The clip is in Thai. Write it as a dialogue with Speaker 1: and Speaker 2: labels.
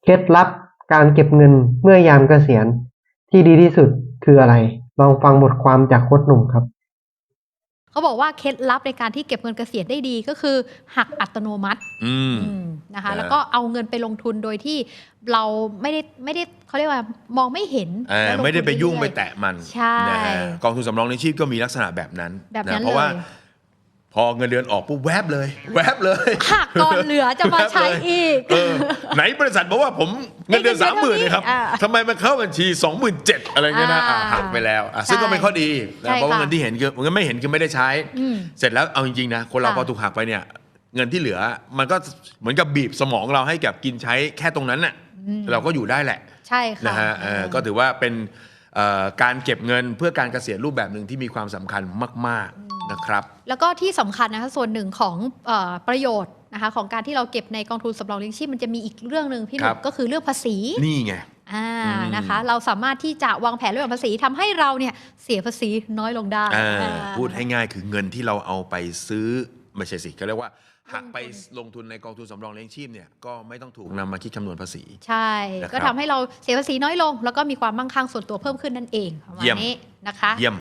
Speaker 1: เคล็ดลับการเก็บเงินเมื่อยามเกษียณที่ดีที่สุดคืออะไร ลองฟังบทความจากโค้ชหนุ่มครับ
Speaker 2: เขาบอกว่าเคล็ดลับในการที่เก็บเงินเกษียณได้ดีก็คือหักอัตโนมัตินะคะแล้วก็เอาเงินไปลงทุนโดยที่เราไม่ได้เขาเรียกว่ามองไม่เห็น
Speaker 3: ไม่ได้ไปยุ่งไปแตะมัน
Speaker 2: ใช่
Speaker 3: นะฮะกองทุนสำรองเลี้ยงชีพก็มีลักษณะแบบนั้นนะเพราะว่าพอเงินเดือนออกปุ๊บแวบเลย
Speaker 2: หักก่อนเหลือจะมาใช้อีก
Speaker 3: ไหนบริษัทบอกว่าผมเงินเดือน 30,000 เลยครับทำไมมันเข้าบัญชี 27,000 อะไรเงี้ยนะหักไปแล้วซึ่งก็เป็นข้อดีนะเพราะว่าเงินที่เห็นคือเงินไม่เห็นคือไม่ได้ใช้เสร็จแล้วเอาจริงๆนะคนเราพอถูกหักไปเนี่ยเงินที่เหลือมันก็เหมือนกับบีบสมองเราให้กับกินใช้แค่ตรงนั้นน่ะเราก็อยู่ได้แหละ
Speaker 2: ใช่ค่ะ
Speaker 3: นะฮะก็ถือว่าเป็นการเก็บเงินเพื่อการเกษียณรูปแบบหนึ่งที่มีความสำคัญมากๆนะครับ
Speaker 2: แล้วก็ที่สำคัญนะคะส่วนหนึ่งของประโยชน์นะคะของการที่เราเก็บในกองทุนสำรองเลี้ยงชีพมันจะมีอีกเรื่องหนึ่งพี่หนุ่มก็คือเรื่องภาษี
Speaker 3: นี่ไง
Speaker 2: นะคะเราสามารถที่จะวางแผนเรื่องภาษีทำให้เราเนี่ยเสียภาษีน้อยลงได้
Speaker 3: พูดให้ง่ายคือเงินที่เราเอาไปซื้อไม่ใช่สิเขาเรียกว่าหักไปลงทุนในกองทุนสำรองเลี้ยงชีพเนี่ยก็ไม่ต้องถูกนำมาคิดคำนวณภาษี
Speaker 2: ใช่ก็ทำให้เราเสียภาษีน้อยลงแล้วก็มีความมั่งคั่งส่วนตัวเพิ่มขึ้นนั่นเองประมาณนี้นะคะ